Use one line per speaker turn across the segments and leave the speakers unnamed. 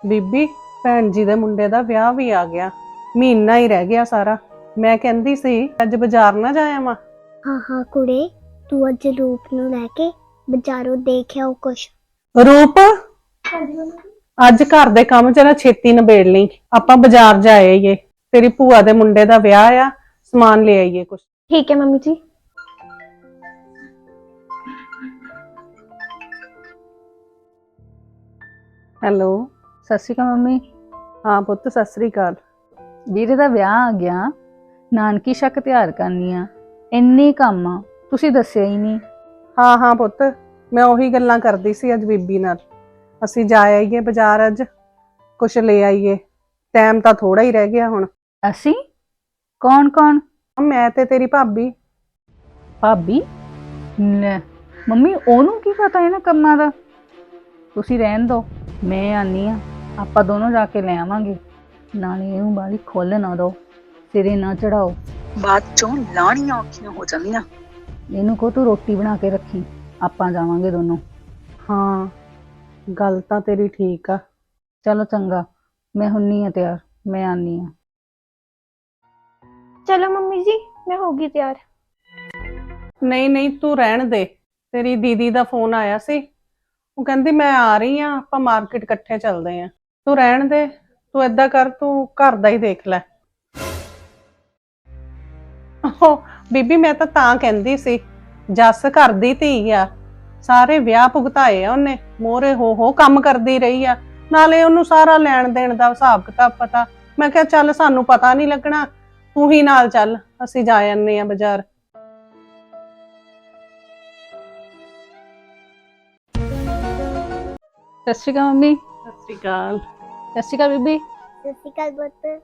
ਬੀਬੀ ਭੈਣ ਜੀ ਦੇ ਮੁੰਡੇ ਦਾ ਵਿਆਹ ਵੀ ਆ ਗਿਆ। ਮਹੀਨਾ ਹੀ ਰਹਿ ਗਿਆ ਸਾਰਾ। ਮੈਂ ਕਹਿੰਦੀ ਸੀ ਅੱਜ ਬਾਜ਼ਾਰ ਨਾ ਜਾਇਆ ਵਾਂ।
ਹਾਂ ਹਾਂ ਕੁੜੇ, ਤੂੰ ਅੱਜ ਰੂਪ ਨੂੰ ਲੈ ਕੇ ਬਾਜ਼ਾਰੋਂ ਦੇਖਿਆ ਉਹ ਕੁਛ।
ਰੂਪ, ਅੱਜ ਘਰ ਦੇ ਕੰਮ ਜਰਾ ਛੇਤੀ ਨਿਬੇੜ ਲਈ, ਆਪਾਂ ਬਾਜ਼ਾਰ ਜਾ ਆਈਏ। ਤੇਰੀ ਭੂਆ ਦੇ ਮੁੰਡੇ ਦਾ ਵਿਆਹ ਆ, ਸਮਾਨ ਲੈ ਆਈਏ ਕੁਛ।
ਠੀਕ ਹੈ ਮੰਮੀ ਜੀ।
ਹੈਲੋ।
ਸਤਿ ਸ਼੍ਰੀ ਅਕਾਲ ਮੰਮੀ।
ਹਾਂ ਪੁੱਤ, ਸਤਿ ਸ੍ਰੀ ਅਕਾਲ।
ਵੀਰੇ ਦਾ ਵਿਆਹ ਆ ਗਿਆ, ਨਾਨਕੀ ਸ਼ੱਕ ਤਿਆਰ ਕਰਨੀ ਆ, ਇੰਨੇ ਕੰਮ ਆ, ਤੁਸੀਂ ਦੱਸਿਆ ਹੀ ਨਹੀਂ।
ਹਾਂ ਹਾਂ ਪੁੱਤ, ਮੈਂ ਉਹੀ ਗੱਲਾਂ ਕਰਦੀ ਸੀ ਅੱਜ ਬੀਬੀ ਨਾਲ। ਅਸੀਂ ਜਾ ਆਈਏ ਬਾਜ਼ਾਰ, ਅੱਜ ਕੁਛ ਲੈ ਆਈਏ। ਟਾਈਮ ਤਾਂ ਥੋੜਾ ਹੀ ਰਹਿ ਗਿਆ ਹੁਣ।
ਅਸੀਂ? ਕੌਣ ਕੌਣ?
ਮੈਂ ਤੇ ਤੇਰੀ ਭਾਬੀ।
ਭਾਬੀ? ਲੈ ਮੰਮੀ, ਉਹਨੂੰ ਕੀ ਪਤਾ ਇਹਨਾਂ ਕੰਮਾਂ ਦਾ। ਤੁਸੀਂ ਰਹਿਣ ਦਿਓ, ਮੈਂ ਆਨੀ ਆ, ਆਪਾਂ ਦੋਨੋਂ ਜਾ ਕੇ ਲੈ ਆਵਾਂਗੇ। ਨਾਲੇ ਇਹਨੂੰ ਬਾਹਲੀ ਖੁੱਲ੍ਹ ਨਾ ਦਿਓ, ਸਿਰੇ ਨਾ ਚੜਾਓ, ਬਾਅਦ ਚੋਂ ਲਾਣੀਆਂ ਔਖੀਆਂ ਹੋ ਜਾਂਦੀਆਂ। ਇਹਨੂੰ ਕਹੋ ਤੂੰ ਰੋਟੀ ਬਣਾ ਕੇ ਰੱਖੀ, ਆਪਾਂ ਜਾਵਾਂਗੇ ਦੋਨੋਂ।
ਹਾਂ, ਗੱਲ ਤਾਂ ਤੇਰੀ ਠੀਕ ਆ।
ਚਲੋ ਚੰਗਾ, ਮੈਂ ਹੁੰਨੀ ਆ ਤਿਆਰ, ਮੈਂ ਆਨੀ ਆ।
ਚਲੋ ਮੰਮੀ ਜੀ, ਮੈਂ ਹੋ ਗਈ ਤਿਆਰ।
ਨਹੀਂ ਨਹੀਂ, ਤੂੰ ਰਹਿਣ ਦੇ। ਤੇਰੀ ਦੀਦੀ ਦਾ ਫੋਨ ਆਇਆ ਸੀ, ਉਹ ਕਹਿੰਦੀ ਮੈਂ ਆ ਰਹੀ ਆ, ਆਪਾਂ ਮਾਰਕੀਟ ਇਕੱਠੇ ਚੱਲਦੇ ਆ। ਤੂੰ ਰਹਿਣ ਦੇ। ਤੂੰ ਏਦਾਂ ਕਰ, ਤੂੰ ਘਰ ਦਾ ਹੀ ਦੇਖ ਲੈ। ਓ ਬੀਬੀ, ਮੈਂ ਤਾਂ ਕਹਿੰਦੀ ਸੀ, ਜੱਸ ਘਰ ਦੀ ਧੀ ਆ, ਸਾਰੇ ਵਿਆਹ ਭੁਗਤਾਏ ਆ ਉਹਨੇ, ਮੋਹਰੇ ਹੋ ਕੰਮ ਕਰਦੀ ਰਹੀ ਆ, ਨਾਲੇ ਉਹਨੂੰ ਸਾਰਾ ਲੈਣ ਦੇਣ ਦਾ ਹਿਸਾਬ ਕਿਤਾਬ ਪਤਾ। ਮੈਂ ਕਿਹਾ ਚੱਲ ਸਾਨੂੰ ਪਤਾ ਨਹੀਂ ਲੱਗਣਾ, ਤੂੰ ਹੀ ਨਾਲ ਚੱਲ, ਅਸੀਂ ਜਾ ਆਨੇ ਆ ਬਾਜ਼ਾਰ।
ਸਤਿ ਸ਼੍ਰੀ ਅਕਾਲ ਮੰਮੀ।
ਸਤਿ ਸ਼੍ਰੀ ਅਕਾਲ।
ਸਤਿ ਸ਼੍ਰੀ ਅਕਾਲ ਬੀਬੀ।
ਸਤਿ ਸ਼੍ਰੀ ਅਕਾਲ ਪੁੱਤ।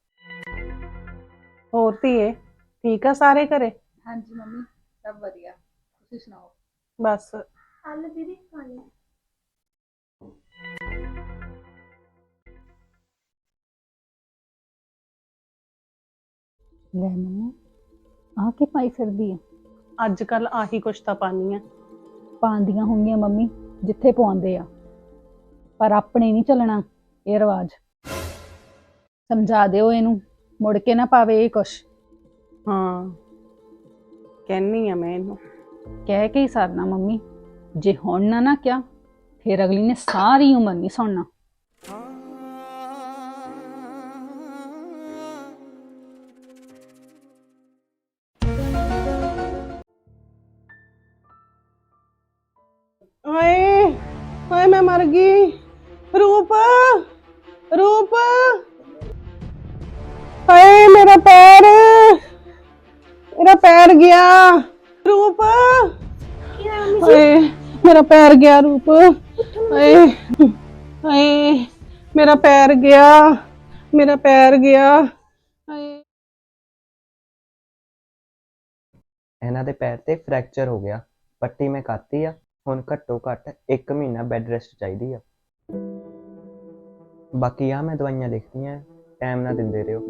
ਹੋਰ ਧੀਏ, ਠੀਕ ਆ ਸਾਰੇ ਘਰੇ?
ਹਾਂਜੀ ਮੰਮੀ, ਸਭ ਵਧੀਆ, ਤੁਸੀਂ ਸੁਣਾਓ?
ਬਸ।
ਆਲੂ ਦੀਦੀ ਖਾਣੀ।
ਲੈ ਮੰਮੀ, ਆਹ ਕੀ ਪਾਈ ਫਿਰਦੀ ਆ?
ਅੱਜ ਕੱਲ ਆਹੀ ਕੁਛ ਤਾਂ ਪਾਨੀ ਆ।
ਪਾਉਂਦੀਆਂ ਹੋਣਗੀਆਂ ਮੰਮੀ, ਜਿੱਥੇ ਪਵਾਉਂਦੇ ਆ, ਪਰ ਆਪਣੇ ਨਹੀਂ ਚੱਲਣਾ ਇਹ ਰਿਵਾਜ। ਸਮਝਾ ਦਿਓ ਇਹਨੂੰ, ਮੁੜ ਕੇ ਨਾ ਪਾਵੇ ਇਹ ਕੁਛ।
ਹਾਂ, ਕਹਿਨੀ ਆ ਮੈਂ ਇਹਨੂੰ।
ਕਹਿ ਕੇ ਹੀ ਸਰਨਾ ਮੰਮੀ, ਜੇ ਹੁਣ ਨਾ ਕਿਹਾ ਫਿਰ ਅਗਲੀ ਨੇ ਸਾਰੀ ਉਮਰ ਨਹੀਂ ਸੁਣਨਾ।
ਹਾਏ ਹਾਏ, ਮੈਂ ਮਰ ਗਈ। ਰੂਪ, ਰੂਪ, ਹਾਏ ਮੇਰਾ ਪੈਰ, ਮੇਰਾ ਪੈਰ ਗਿਆ। ਰੂਪ, ਹਾਏ ਮੇਰਾ ਪੈਰ ਗਿਆ। ਰੂਪ, ਹਾਏ ਹਾਏ, ਮੇਰਾ ਪੈਰ ਗਿਆ, ਮੇਰਾ ਪੈਰ ਗਿਆ। ਹਾਏ,
ਇਹਨਾਂ ਦੇ ਪੈਰ ਤੇ ਫ੍ਰੈਕਚਰ ਹੋ ਗਿਆ, ਪੱਟੀ ਮੈਂ ਕਰਤੀ ਆ। ਹੁਣ ਘੱਟੋ ਘੱਟ 1 ਮਹੀਨਾ ਬੈੱਡ ਰੈਸਟ ਚਾਹੀਦੀ ਆ। ਬਾਕੀ ਆ ਮੈਂ ਦਵਾਈਆਂ ਲਿਖਤੀਆਂ, ਟਾਈਮ ਨਾਲ ਦਿੰਦੇ ਰਹੋ।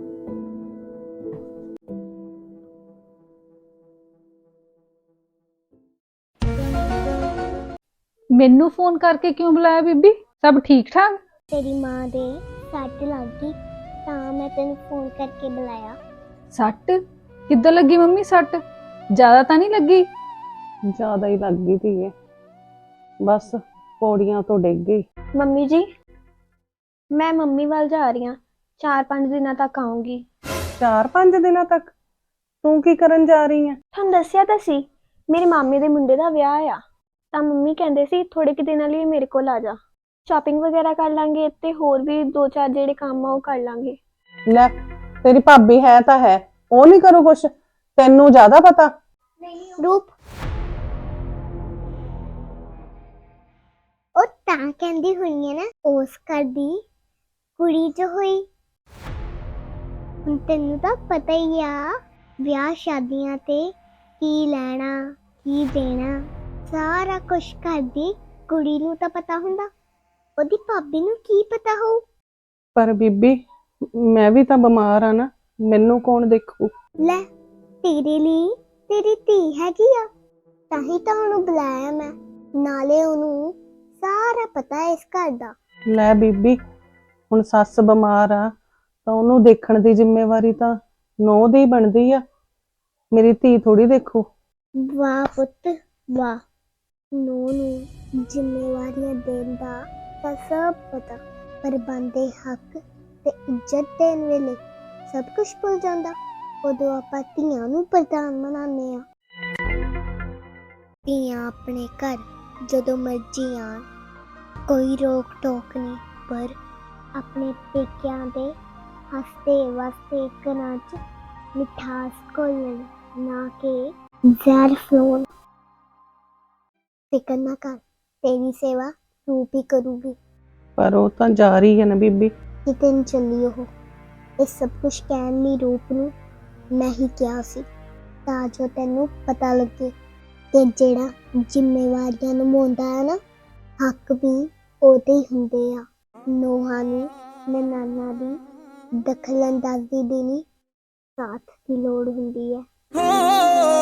ਮੈਨੂੰ ਫੋਨ ਕਰਕੇ ਕਿਉਂ ਬੁਲਾਇਆ ਬੀਬੀ? ਸਭ ਠੀਕ ਠਾਕ?
ਤੇਰੀ ਮਾਂ ਦੇ ਸੱਟ ਲੱਗ ਗਈ ਤਾਂ ਮੈਂ ਤੈਨੂੰ ਫੋਨ ਕਰਕੇ ਬੁਲਾਇਆ।
ਸੱਟ ਕਿੱਦਾਂ ਲੱਗੀ ਮੰਮੀ? ਸੱਟ ਜ਼ਿਆਦਾ ਤਾਂ ਨਹੀਂ ਲੱਗੀ?
ਜ਼ਿਆਦਾ ਹੀ ਲੱਗ ਗਈ ਧੀਏ, ਬਸ ਪੌੜੀਆਂ ਤੋਂ ਡਿੱਗ ਗਈ।
ਮੰਮੀ ਜੀ, ਮੈਂ ਮੰਮੀ ਵੱਲ ਜਾ ਰਹੀ ਹਾਂ, 4-5 ਦਿਨਾਂ ਤੱਕ ਆਉਂਗੀ।
4-5 ਦਿਨਾਂ ਤੱਕ? ਤੂੰ ਕੀ ਕਰਨ ਜਾ ਰਹੀ ਹੈ?
ਤੁਹਾਨੂੰ ਦੱਸਿਆ ਤਾਂ ਸੀ, ਮੇਰੇ ਮਾਮੇ ਦੇ ਮੁੰਡੇ ਦਾ ਵਿਆਹ ਆ, ਤਾਂ ਮੰਮੀ ਕਹਿੰਦੇ ਸੀ ਥੋੜੇ ਕਿ ਦਿਨਾਂ ਲਈ ਮੇਰੇ ਕੋਲ ਆ ਜਾ, ਸ਼ਾਪਿੰਗ ਵਗੈਰਾ ਕਰ ਲਾਂਗੇ ਤੇ ਹੋਰ ਵੀ 2-4 ਜਿਹੜੇ ਕੰਮ ਆ ਉਹ ਕਰ ਲਾਂਗੇ।
ਲੈ, ਤੇਰੀ ਭਾਬੀ ਹੈ ਤਾਂ ਹੈ, ਉਹ ਨਹੀਂ ਕਰੂ ਕੁਛ? ਤੈਨੂੰ ਜ਼ਿਆਦਾ ਪਤਾ।
ਰੂਪ, ਉਹ ਤਾਂ ਕਹਿੰਦੀ ਹੋਈ ਹੈ ਨਾ, ਉਸ ਘਰ ਦੀ ਕੁੜੀ ਜੋ ਹੋਈ। ਹੁਣ ਤੈਨੂੰ ਤਾਂ ਪਤਾ ਹੀ ਆ, ਵਿਆਹ ਸ਼ਾਦੀਆਂ ਤੇ ਕੀ ਲੈਣਾ ਕੀ ਦੇਣਾ ਸਾਰਾ ਕੁਛ ਘਰ ਦੀ ਕੁੜੀ ਨੂੰ ਤਾਂ ਪਤਾ ਹੁੰਦਾ, ਉਹਦੀ ਭਾਬੀ ਨੂੰ ਕੀ ਪਤਾ ਹੋਊ।
ਪਰ ਬੀਬੀ, ਮੈਂ ਵੀ ਤਾਂ ਬਿਮਾਰ ਆ ਨਾ, ਮੈਨੂੰ ਕੌਣ ਦੇਖੂ?
ਲੈ, ਤੇਰੇ ਲਈ ਤੇਰੀ ਧੀ ਹੈਗੀ ਆ, ਤਾਂ ਹੀ ਤਾਂ ਉਹਨੂੰ ਬੁਲਾਇਆ ਮੈਂ, ਨਾਲੇ ਉਹਨੂੰ ਸਾਰਾ ਪਤਾ ਹੈ ਇਸ ਘਰ ਦਾ।
ਲੈ ਬੀਬੀ, ਹੁਣ ਸੱਸ ਬਿਮਾਰ ਆ ਤਾਂ ਉਹਨੂੰ ਦੇਖਣ ਦੀ ਜ਼ਿੰਮੇਵਾਰੀ ਤਾਂ ਨੂੰਹ ਦੀ ਬਣਦੀ ਆ। ਮੇਰੀ ਧੀ ਥੋੜੀ ਦੇਖੂ।
ਵਾਹ ਪੁੱਤ ਵਾਹ, ਨੂੰ ਜ਼ਿੰਮੇਵਾਰੀਆਂ ਦੇਣ ਦਾ ਤਾਂ ਸਭ ਪਤਾ, ਪਰ ਬੰਦੇ ਹੱਕ ਤੇ ਇੱਜ਼ਤ ਦੇਣ ਵੇਲੇ ਸਭ ਕੁਝ ਭੁੱਲ ਜਾਂਦਾ। ਉਦੋਂ ਆਪਾਂ ਧੀਆਂ ਨੂੰ ਪ੍ਰਧਾਨ ਬਣਾਉਂਦੇ ਆ। ਧੀਆਂ ਆਪਣੇ ਘਰ ਜਦੋਂ ਮਰਜ਼ੀ ਆਉਣ, ਕੋਈ ਰੋਕ ਟੋਕ ਨਹੀਂ, ਪਰ ਆਪਣੇ ਪੇਕਿਆਂ ਦੇ ਹੱਸਦੇ ਵਸਦੇ ਘਰਾਂ 'ਚ ਮਿਠਾਸ ਘੋਲਣ, ਨਾ ਕਿ ਜ਼ਹਿਰ ਫਲੋਨ। ਫਿਕਰ ਨਾ ਕਰ, ਤੇਰੀ ਸੇਵਾ ਰੂਪ ਹੀ ਕਰੂਗੀ।
ਪਰ ਉਹ ਤਾਂ ਜਾ ਰਹੀ ਹੈ ਨਾ ਬੀਬੀ।
ਕਿਤੇ ਨਹੀਂ ਚੱਲੀ ਉਹ। ਇਹ ਸਭ ਕੁਝ ਕਹਿਣ ਲਈ ਰੂਪ ਨੂੰ ਮੈਂ ਹੀ ਕਿਹਾ ਸੀ, ਤਾਂ ਜੋ ਤੈਨੂੰ ਪਤਾ ਲੱਗੇ ਕਿ ਜਿਹੜਾ ਜ਼ਿੰਮੇਵਾਰੀਆਂ ਨਿਭਾਉਂਦਾ ਹੈ ਨਾ, ਹੱਕ ਵੀ ਉਹਦੇ ਹੀ ਹੁੰਦੇ ਆ। ਨੋਹਾਂ ਨੂੰ ਨਨਾਣਾ ਦੀ ਦਖਲ ਅੰਦਾਜ਼ੀ ਦੀ ਨਹੀਂ, ਸਾਥ ਦੀ ਲੋੜ ਹੁੰਦੀ ਹੈ।